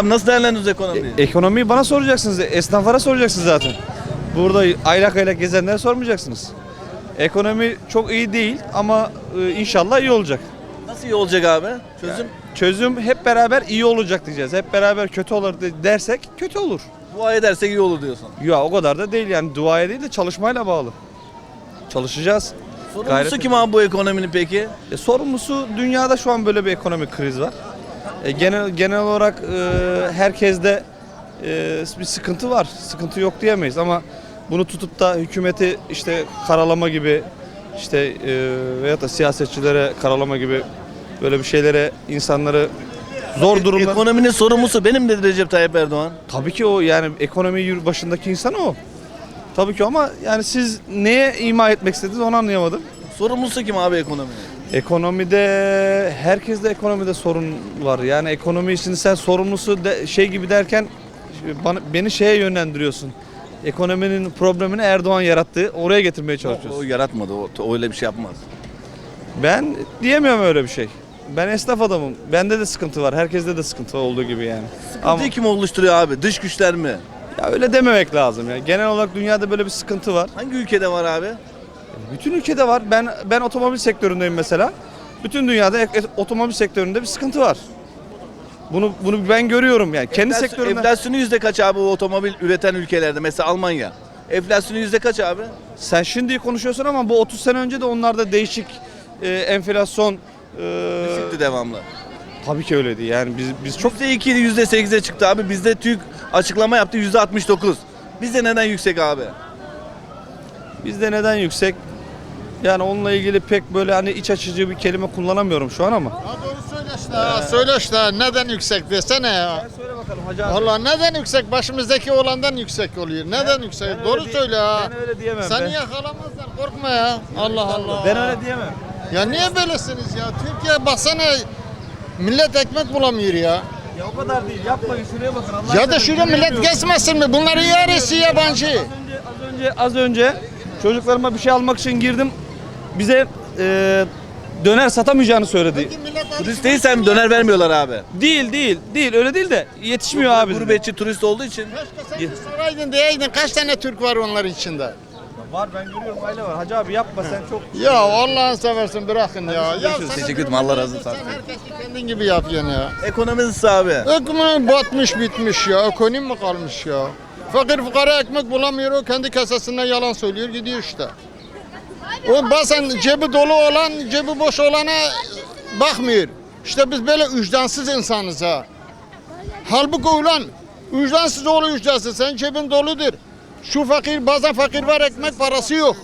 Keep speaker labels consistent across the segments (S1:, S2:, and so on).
S1: abi, nasıl değerlendiriyoruz ekonomiyi?
S2: Ekonomiyi bana soracaksınız. Esnaflara soracaksınız zaten. Burada aylak aylak gezenlere sormayacaksınız. Ekonomi çok iyi değil ama inşallah iyi olacak.
S1: Nasıl iyi olacak abi? Çözüm?
S2: Çözüm hep beraber iyi olacak diyeceğiz. Hep beraber kötü olur dersek kötü olur.
S1: Dua edersek iyi olur diyorsun.
S2: Ya o kadar da değil yani, duaya değil de çalışmayla bağlı. Çalışacağız.
S1: Sorumlusu kim abi bu ekonominin peki?
S2: Sorumlusu, dünyada şu an böyle bir ekonomik kriz var. Genel olarak herkeste bir sıkıntı var. Sıkıntı yok diyemeyiz ama bunu tutup da hükümeti işte karalama gibi, işte veyahut da siyasetçilere karalama gibi böyle bir şeylere insanları zor durumda.
S1: Ekonominin sorumlusu benim dedi Recep Tayyip Erdoğan.
S2: Tabii ki o, yani ekonomi başındaki insan o. Tabii ki ama yani siz neye ima etmek istediniz onu anlayamadım.
S1: Sorumlusu kim abi ekonominin?
S2: Ekonomide, herkeste ekonomide sorun var. Yani ekonomi için sen sorumlusu şey gibi derken beni şeye yönlendiriyorsun. Ekonominin problemini Erdoğan yarattı. Oraya getirmeye
S1: O
S2: çalışıyorsun.
S1: yaratmadı. O öyle bir şey yapmaz.
S2: Ben diyemiyorum öyle bir şey. Ben esnaf adamım. Bende de sıkıntı var. Herkeste de sıkıntı olduğu gibi yani.
S1: Sıkıntıyı kim oluşturuyor abi? Dış güçler mi?
S2: Ya öyle dememek lazım ya. Genel olarak dünyada böyle bir sıkıntı var.
S1: Hangi ülkede var abi?
S2: Bütün ülkede var. Ben otomobil sektöründeyim mesela. Bütün dünyada otomobil sektöründe bir sıkıntı var. Bunu ben görüyorum yani. Kendi sektörümden.
S1: Enflasyonu yüzde kaç abi bu otomobil üreten ülkelerde? Mesela Almanya. Enflasyonu yüzde kaç abi?
S2: Sen şimdi konuşuyorsun ama bu 30 sene önce de onlarda değişik enflasyon
S1: Düşüktü devamlı.
S2: tabii ki öyleydi. Yani biz çok
S1: %2 %8'e çıktı abi. Bizde TÜİK açıklama yaptı %69. Bizde neden yüksek abi?
S2: bizde neden yüksek? Yani onunla ilgili pek böyle hani iç açıcı bir kelime kullanamıyorum şu an ama.
S3: Ya doğru söyle işte. Söyle işte neden yüksek desene ya.
S2: Söyle bakalım hacı abi.
S3: Valla neden yüksek? Başımızdaki olandan yüksek oluyor. Neden yüksek? Doğru söyle ha.
S2: Ben öyle diyemem.
S3: Seni yakalamazlar, korkma ya. Allah Allah.
S2: Ben öyle diyemem.
S3: Ya niye böylesiniz ya? Türkiye baksana, millet ekmek bulamıyor ya.
S2: Ya o kadar değil. Yapmayın, şuraya bakın. Allah
S3: Ya da şurada millet geçmesin mi? Bunları yarısı yabancı.
S2: Az önce çocuklarıma bir şey almak için girdim. Bize döner satamayacağını söyledi.
S1: Turist değilsen döner vermiyorlar abi.
S2: Değil öyle değil de yetişmiyor abi.
S1: Gurbetçi turist olduğu için.
S3: Keşke sen soraydın diyeydin kaç tane Türk var onların içinde.
S2: Var, ben görüyorum, aile var. Hacı abi yapma sen çok.
S3: Ya Allah'ını seversen bırakın ya. Ya
S1: Görüşürüz.
S3: sana
S1: Teşekkür ederim.
S3: diyorum,
S1: Allah razı olsun.
S3: Sen herkesi kendin gibi yapıyorsun ya.
S1: Ekonomi nasıl abi?
S3: Ekonomi batmış bitmiş ya. Ekonomi mi kalmış ya? Fakir fukara ekmek bulamıyor, o kendi kasasından yalan söylüyor gidiyor işte. O bazen cebi dolu olan cebi boş olana bakmıyor. İşte biz böyle vicdansız insanız ha. Halbuki ulan vicdansız oğlu vicdansız, sen cebin doludur. Şu fakir, bazen fakir var ekmek parası yok.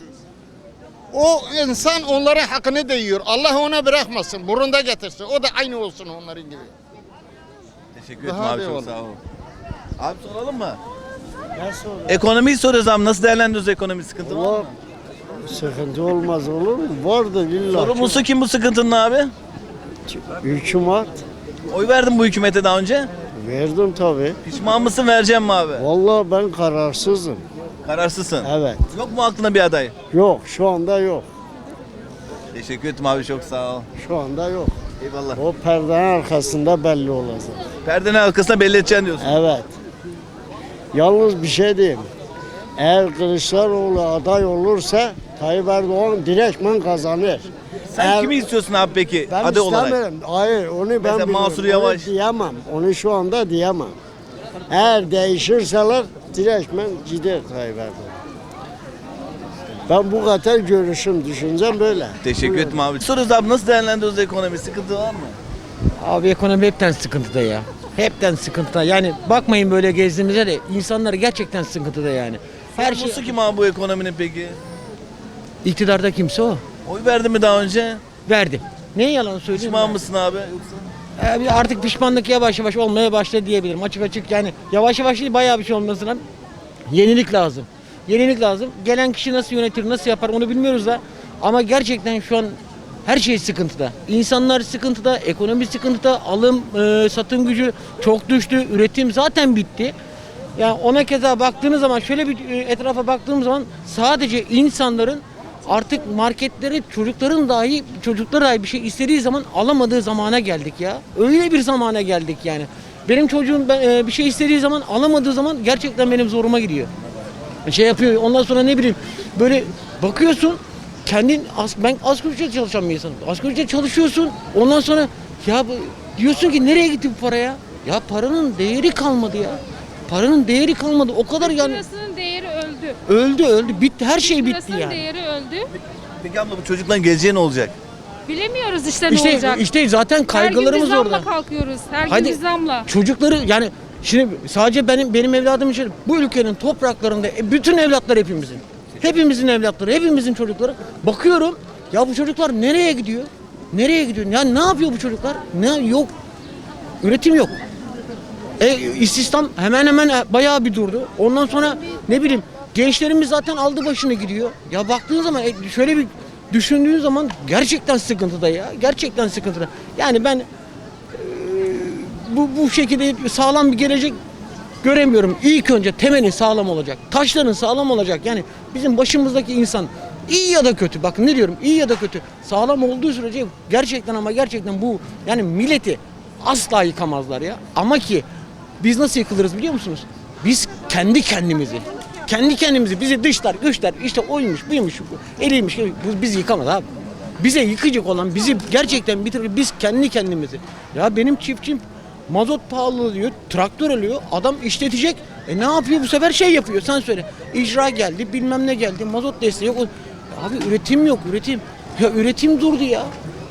S3: O insan onların hakkını da yiyor. Allah ona bırakmasın, burunda getirsin. O da aynı olsun onların gibi.
S1: Teşekkür ederim
S3: Daha
S1: abi,
S3: iyi
S1: çok
S3: olur.
S1: sağ ol. Abi soralım mı? Ekonomiyi soruyoruz abi. Nasıl değerlendiriyoruz ekonomi, sıkıntı var mı?
S4: Sıkıntı olmaz olur mu? Vardı billahi.
S1: Sorumlusu kim bu sıkıntının abi?
S4: Hükümet
S1: Oy verdin bu hükümete daha önce.
S4: verdim tabii.
S1: Pişman mısın, vereceğim mi abi?
S4: Vallahi ben kararsızım.
S1: Kararsızsın.
S4: Evet.
S1: Yok mu aklına bir aday?
S4: Yok şu anda yok.
S1: Teşekkür ederim abi, çok sağ ol.
S4: Şu anda yok.
S1: Eyvallah.
S4: O perdenin arkasında belli olacak.
S1: Perdenin arkasına belli edeceksin diyorsun.
S4: Evet. Yalnız bir şey diyeyim. Eğer Kılıçdaroğlu aday olursa Tayyip Erdoğan direktmen kazanır.
S1: Sen kimi istiyorsun abi peki
S4: Ben
S1: aday olarak?
S4: istemiyorum. Hayır onu ben
S1: Mesela
S4: biliyorum.
S1: Mansur Yavaş.
S4: Onu diyemem. Onu şu anda diyemem. Eğer değişirseler direktmen gider Tayyip Erdoğan. Ben bu kadar görüşüm, düşüncem böyle.
S1: Teşekkür ederim abi. Soruyoruz abi, nasıl değerlendiriyoruz ekonomi? Sıkıntı var mı?
S5: Abi ekonomi hepten sıkıntıda ya. Hepten sıkıntıda. Yani bakmayın böyle gezdiğimize de insanlar gerçekten sıkıntıda yani. Her şey
S1: Sorumlusu kim abi bu ekonominin peki?
S5: iktidarda kimse o.
S1: Oy verdin mi daha önce?
S5: Verdim. Ne yalan söyleyeyim?
S1: Pişman
S5: ya?
S1: mısın abi? Yoksa?
S5: Abi artık pişmanlık yavaş yavaş olmaya başladı diyebilirim. Açık açık yani yavaş yavaş değil bayağı bir şey olması lazım. Yenilik lazım. Yenilik lazım. Gelen kişi nasıl yönetir, nasıl yapar onu bilmiyoruz da. Ama gerçekten şu an her şey sıkıntıda. İnsanlar sıkıntıda, ekonomi sıkıntıda, alım, satım gücü çok düştü, üretim zaten bitti. Yani ona keza baktığınız zaman şöyle bir etrafa baktığım zaman sadece insanların artık marketleri çocukları dahi bir şey istediği zaman alamadığı zamana geldik ya. Öyle bir zamana geldik yani. Benim çocuğum bir şey istediği zaman, alamadığı zaman gerçekten benim zoruma gidiyor. Şey yapıyor. Ondan sonra ne bileyim böyle bakıyorsun ben asgari ücret çalışan bir insanım. Asgari ücret çalışıyorsun. Ondan sonra ya diyorsun ki nereye gitti bu para ya? Ya paranın değeri kalmadı ya. Paranın değeri kalmadı. O kadar yani.
S6: Lirasının değeri öldü.
S5: Öldü. Bitti. Her şey bitti
S6: Lirasının
S5: yani.
S6: değeri öldü.
S1: Peki abla bu çocukların geleceği ne olacak?
S6: Bilemiyoruz işte ne olacak.
S5: İşte zaten kaygılarımız
S6: Her gün biz
S5: orada.
S6: zamla kalkıyoruz. Her
S5: Hadi.
S6: gün biz zamla.
S5: Çocukları yani şimdi sadece benim evladım için bu ülkenin topraklarında bütün evlatlar hepimizin. Hepimizin evlatları, hepimizin çocukları. Bakıyorum ya bu çocuklar nereye gidiyor? Nereye gidiyor? Yani ne yapıyor bu çocuklar? Yok. Üretim yok. İstihdam hemen hemen bayağı bir durdu. Ondan sonra ne bileyim gençlerimiz zaten aldı başını gidiyor. Ya baktığın zaman şöyle bir düşündüğün zaman gerçekten sıkıntıda ya. Gerçekten sıkıntıda. Yani ben bu şekilde sağlam bir gelecek göremiyorum. İlk önce temeli sağlam olacak. Taşların sağlam olacak. Yani bizim başımızdaki insan iyi ya da kötü. Bakın ne diyorum? İyi ya da kötü. Sağlam olduğu sürece gerçekten ama gerçekten bu yani milleti asla yıkamazlar ya. Ama ki biz nasıl yıkılırız biliyor musunuz? Biz kendi kendimizi bizi dışlar, güçler işte oymuş, buymuş, eliymiş. Biz yıkamaz abi. Bize yıkacak olan bizi gerçekten bitirir. Biz kendi kendimizi. Ya benim çiftçim mazot pahalı diyor, traktör alıyor, adam işletecek. Ne yapıyor bu sefer şey yapıyor sen söyle. İcra geldi, bilmem ne geldi, mazot desteği yok. Abi üretim yok, üretim. Ya üretim durdu ya.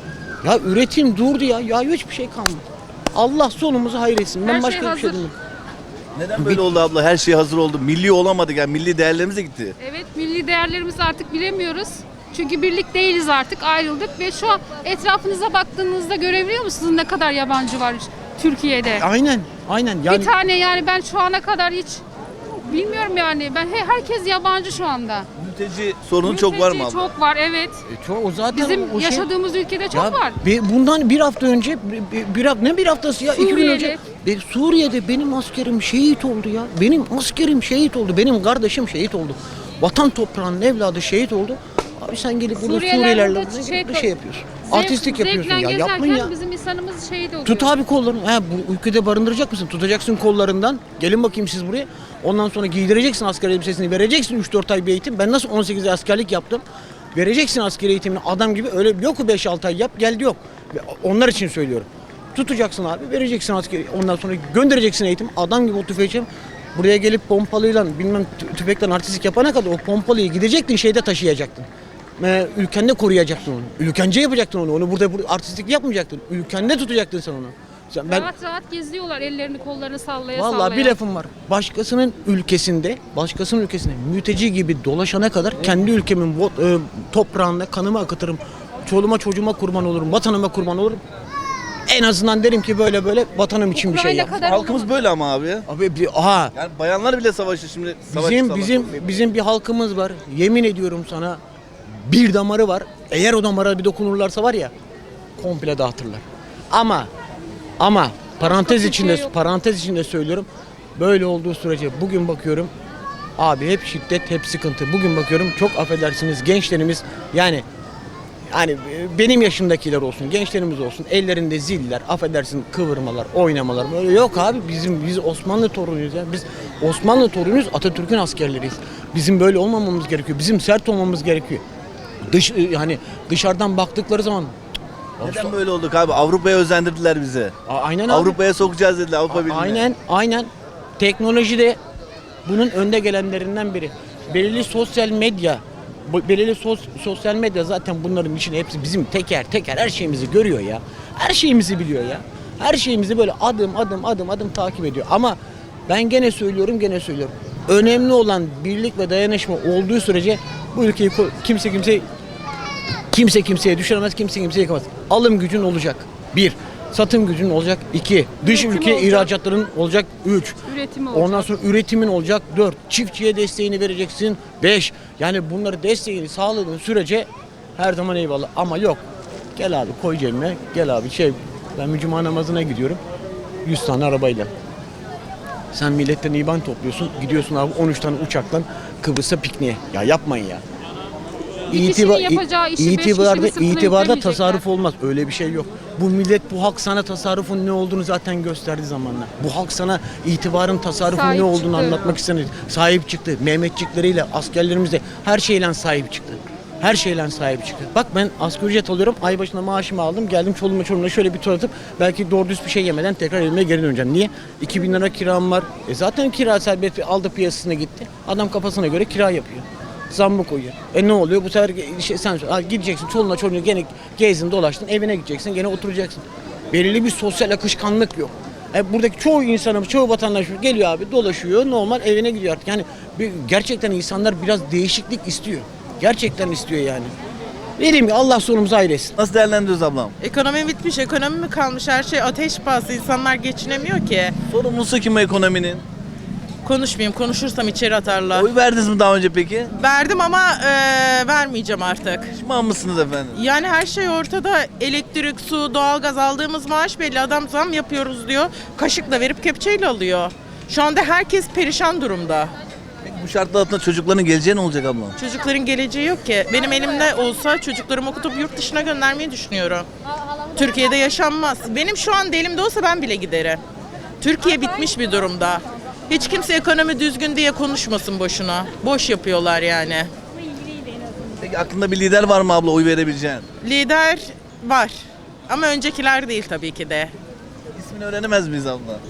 S5: Ya üretim durdu ya. Ya hiçbir şey kalmadı. Allah sonumuzu hayretsin. Ben
S6: Her şey
S5: başka bir şey
S6: hazır.
S5: demiyorum.
S1: Neden böyle oldu abla? Her şey hazır oldu. Milli olamadık yani milli değerlerimiz de gitti.
S6: Evet, milli değerlerimizi artık bilemiyoruz. Çünkü birlik değiliz artık, ayrıldık ve şu an etrafınıza baktığınızda görebiliyor musunuz ne kadar yabancı var Türkiye'de?
S5: Aynen. Yani
S6: Bir tane yani ben şu ana kadar hiç bilmiyorum yani. Herkes yabancı şu anda.
S1: Mülteci sorunu çok var mı abla?
S6: Çok var, evet.
S5: o zaten
S6: Bizim
S5: o şey-
S6: yaşadığımız ülkede çok
S5: Ya
S6: var.
S5: Bundan bir hafta önce, ne bir haftası ya? 2 gün
S6: Suriyeli.
S5: önce Suriye'de benim askerim şehit oldu ya. Benim askerim şehit oldu. Benim kardeşim şehit oldu. Vatan toprağının evladı şehit oldu. Abi sen gelip burada Suriyelilerle burada şey yapıyorsun. Artistlik yapıyorsun ya. Yapmayın ya.
S6: Bizim insanımız şehit oluyor.
S5: Tut abi kollarını. Bu ülkede barındıracak mısın? Tutacaksın kollarından. Gelin bakayım siz buraya. Ondan sonra giydireceksin asker elbisesini. Vereceksin 3-4 ay bir eğitim. Ben nasıl 18 ay askerlik yaptım. Vereceksin asker eğitimini adam gibi. Öyle yok 5-6 ay yap geldi yok. Onlar için söylüyorum. Tutacaksın abi. Vereceksin asker. Ondan sonra göndereceksin eğitim. Adam gibi o tüfeği buraya gelip pompalıyla bilmem tüfekten artistlik yapana kadar o pompalıyı gidecektin şeyde taşıyacaktın. Ülkende koruyacaktın onu. Ülkence yapacaktın onu. Onu burada artistlik yapmayacaktın. Ülkende tutacaktın sen onu.
S6: Rahat rahat geziyorlar ellerini kollarını sallaya
S5: Vallahi
S6: sallaya.
S5: bir lafım var. Başkasının ülkesinde mülteci gibi dolaşana kadar kendi ülkemin toprağında kanımı akıtırım. Çoluğuma çocuğuma kurban olurum. Vatanıma kurban olurum. En azından derim ki böyle vatanım için bir şey
S6: Ukrayna
S5: yap.
S6: kadar
S1: Halkımız
S6: olamaz.
S1: böyle ama abi ya.
S5: Abi
S1: Yani bayanlar bile savaşıyor şimdi.
S5: bizim bir halkımız var. Yemin ediyorum sana bir damarı var. Eğer o damara bir dokunurlarsa var ya komple dağıtırlar. Ama parantez içinde söylüyorum. Böyle olduğu sürece bugün bakıyorum abi hep şiddet, hep sıkıntı. Bugün bakıyorum çok affedersiniz gençlerimiz yani benim yaşımdakiler olsun, gençlerimiz olsun ellerinde ziller, affedersin kıvırmalar, oynamalar böyle yok abi biz Osmanlı torunuyuz ya. Biz Osmanlı torunuyuz, Atatürk'ün askerleriyiz. Bizim böyle olmamamız gerekiyor. Bizim sert olmamız gerekiyor. Dışarıdan baktıkları zaman
S1: Neden böyle olduk abi? Avrupa'ya özendirdiler bizi.
S5: aynen abi.
S1: Avrupa'ya sokacağız dediler Avrupa Birliği'ne.
S5: Aynen. Teknoloji de bunun önde gelenlerinden biri. Belirli sosyal medya zaten bunların içine hepsi bizim teker her şeyimizi görüyor ya. Her şeyimizi biliyor ya. Her şeyimizi böyle adım takip ediyor. Ama ben gene söylüyorum. Önemli olan birlik ve dayanışma olduğu sürece bu ülkeyi kimse kimseye düşüremez, kimse kimseye yıkamaz. Alım gücün olacak. 1. Satım gücün olacak. 2. Dış
S6: Üretim
S5: ülke
S6: olacak.
S5: ihracatların olacak. 3.
S6: Üretimi olacak.
S5: Ondan sonra üretimin olacak. 4. Çiftçiye desteğini vereceksin. 5. Yani bunları desteğini sağladığın sürece her zaman eyvallah. Ama yok. Gel abi koy cebime. Gel abi ben cuma namazına gidiyorum. 100 tane arabayla. Sen milletten IBAN topluyorsun. Gidiyorsun abi 13 tane uçakla Kıbrıs'a pikniğe. Ya yapmayın ya.
S6: Bir kişinin yapacağı işi beş kişi mi sıkılıp
S5: itibarda
S6: yüklemeyecekler?
S5: tasarruf olmaz. Öyle bir şey yok. Bu millet, bu halk sana tasarrufun ne olduğunu zaten gösterdi zamanla. Bu halk sana itibarın, tasarrufun
S6: Sahip
S5: ne olduğunu
S6: çıktı.
S5: anlatmak istemedi. Sahip çıktı. Mehmetçikleriyle, askerlerimizle her şeyle sahip çıktı. Her şeyle sahip çıktı. Bak ben asgari ücret alıyorum. Ay başına maaşımı aldım. Geldim çoluğuma çocuğuma şöyle bir tur atıp belki doğru düz bir şey yemeden tekrar evime geri döneceğim. Niye? 2000 lira kiram var. Zaten kira serbest aldı piyasasına gitti. Adam kafasına göre kira yapıyor. Zammı koyuyor. Ne oluyor? Bu sefer sen gideceksin çoluğuna çocuğuna gene gezdin dolaştın evine gideceksin gene oturacaksın. Belirli bir sosyal akışkanlık yok. Buradaki çoğu insanımız, çoğu vatandaşımız geliyor abi dolaşıyor normal evine gidiyor artık. Yani gerçekten insanlar biraz değişiklik istiyor. Gerçekten istiyor yani. Dediğim gibi Allah sonumuzu hayır etsin.
S1: Nasıl değerlendiriyoruz ablam?
S7: Ekonomi bitmiş, ekonomi mi kalmış? Her şey ateş pahası. İnsanlar geçinemiyor ki.
S1: Sorumlusu kim bu ekonominin?
S7: Konuşmayayım, konuşursam içeri atarlar.
S1: Oy verdiniz mi daha önce peki?
S7: Verdim ama vermeyeceğim artık.
S1: Pişman mısınız efendim?
S7: Yani her şey ortada. Elektrik, su, doğalgaz aldığımız maaş belli. Adam zam yapıyoruz diyor. Kaşıkla verip kepçeyle alıyor. Şu anda herkes perişan durumda.
S1: Peki bu şartlar altında çocukların geleceği ne olacak ablam?
S7: Çocukların geleceği yok ki. Benim elimde olsa çocuklarımı okutup yurt dışına göndermeyi düşünüyorum. Türkiye'de yaşanmaz. Benim şu anda elimde olsa ben bile giderim. Türkiye bitmiş bir durumda. Hiç kimse ekonomi düzgün diye konuşmasın boşuna. Boş yapıyorlar yani.
S1: Peki aklında bir lider var mı abla oy verebileceğin?
S7: Lider var. Ama öncekiler değil tabii ki de.
S1: İsmini öğrenemez miyiz abla?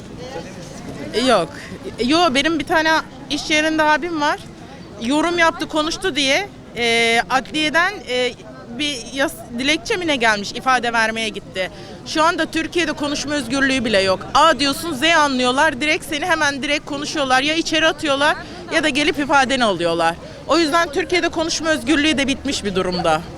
S7: Yok. Benim bir tane iş yerinde abim var. Yorum yaptı, konuştu diye adliyeden bir dilekçe mi ne gelmiş, ifade vermeye gitti. Şu anda Türkiye'de konuşma özgürlüğü bile yok. A diyorsun, Z anlıyorlar. Direkt seni hemen direkt konuşuyorlar. Ya içeri atıyorlar ya da gelip ifadeni alıyorlar. O yüzden Türkiye'de konuşma özgürlüğü de bitmiş bir durumda.